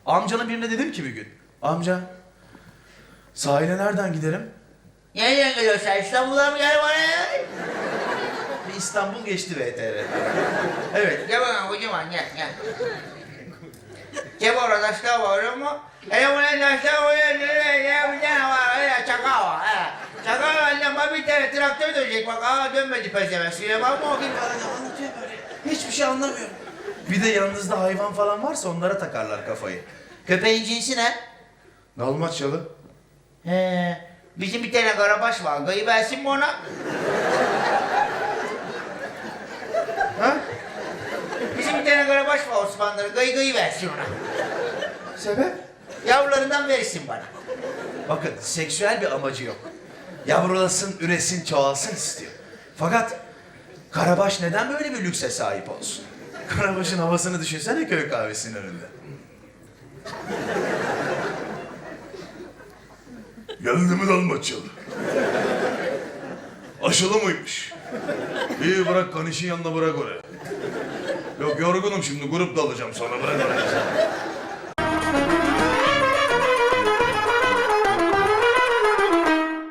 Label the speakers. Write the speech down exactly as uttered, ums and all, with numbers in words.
Speaker 1: Amcanın birine dedim ki bir gün. Amca, sahile nereden giderim?
Speaker 2: Nereden geliyorsun? İstanbul'a mı gel bana?
Speaker 1: Bir İstanbul geçti V T R. Evet.
Speaker 2: Gel bakalım kocaman gel gel. Gel orada taşlar var ama. Hele buraya taşlar var ya bir tane var öyle çakal var. He. Çakal annem bana bir tane traktör dönecek bak. Aa dönmedi peşeme. Suya bakma o gibi bana anlatıyor böyle. Hiçbir şey anlamıyorum.
Speaker 1: Bir de yanınızda hayvan falan varsa onlara takarlar kafayı.
Speaker 2: Köpeğin cinsi ne?
Speaker 1: Dalmaçyalı.
Speaker 2: He. Bizim bir tane karabaş var. Gayı versin mi ona?
Speaker 1: Ha?
Speaker 2: Bizim bir tane karabaş var Osmanlı'da. Gayı gayı versin ona.
Speaker 1: Sebep?
Speaker 2: Yavrularından verirsin bana.
Speaker 1: Bakın seksüel bir amacı yok. Yavrulasın, üresin, çoğalsın istiyor. Fakat Karabaş neden böyle bir lükse sahip olsun? Karabaş'ın havasını düşünsene köy kahvesinin önünde.
Speaker 3: Geldi mi Dalmaçyalı? Aşılı mıymış? İyi bırak kanişin yanına bırak oraya. Yok yorgunum şimdi grup dalacağım sonra bırak oraya.